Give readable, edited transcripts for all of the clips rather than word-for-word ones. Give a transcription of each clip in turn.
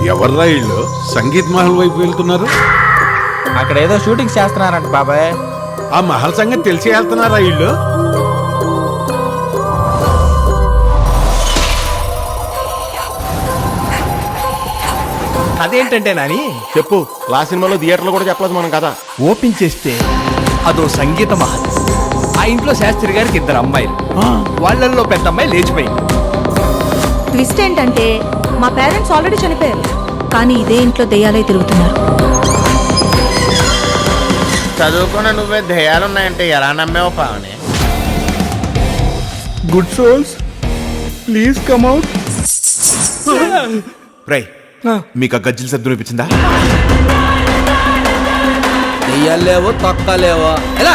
ఎవర్రా ఇళ్ళు సంగీత్ మహల్ వైపు వెళ్తున్నారు? అక్కడ ఏదో షూటింగ్ చేస్తున్నారంట బాబాయ్. ఆ మహల్ సంగతి తెలిసి వెళ్తున్నారా ఇళ్ళు? అదేంటంటే నాని చెప్పు. లాస్ట్ సినిమాలో థియేటర్లో కూడా చెప్పలేదు మనం కదా. ఓపెన్ చేస్తే అదో సంగీత మహల్. ఆ ఇంట్లో శాస్త్రి గారికి 2 అమ్మాయిలు, వాళ్ళల్లో పెద్ద అమ్మాయి లేచిపోయింది. ట్విస్ట్ ఏంటంటే మా పేరెంట్స్ ఆల్రెడీ చనిపోయారు, కానీ ఇదే ఇంట్లో దెయ్యాలై తిరుగుతున్నారు. చదువుకున్న నువ్వే ధ్యేయాలున్నాయంటే ఎలా నమ్మేవో Pavani? Good souls please come out. రై, మీకు ఆ గజ్జిల శబ్దం వినిపించిందా? దెయ్యాలేవో తొక్కలేవో ఎలా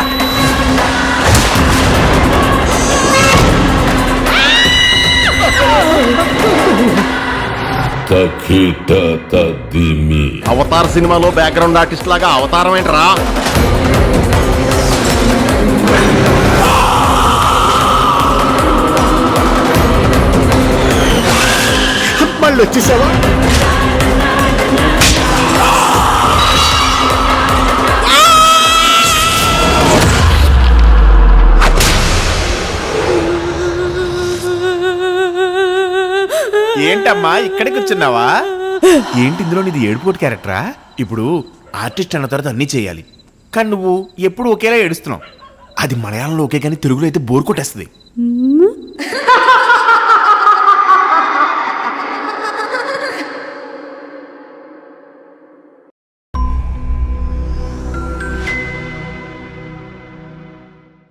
అవతార్ సినిమాలో బ్యాక్గ్రౌండ్ ఆర్టిస్ట్ లాగా అవతారం ఏంట్రా? మళ్ళీ వచ్చేసావా? ఏంటమ్మా ఇక్కడే కూర్చున్నావా? ఏంటి ఇందులో నీది ఏడుపోటు క్యారెక్టరా? ఇప్పుడు ఆర్టిస్ట్ అన్న తర్వాత అన్నీ చేయాలి, కానీ నువ్వు ఎప్పుడు ఒకేలా ఏడుస్తున్నావు. అది మలయాళంలో ఓకే, కానీ తెలుగులో అయితే బోర్ కొట్టేస్తుంది.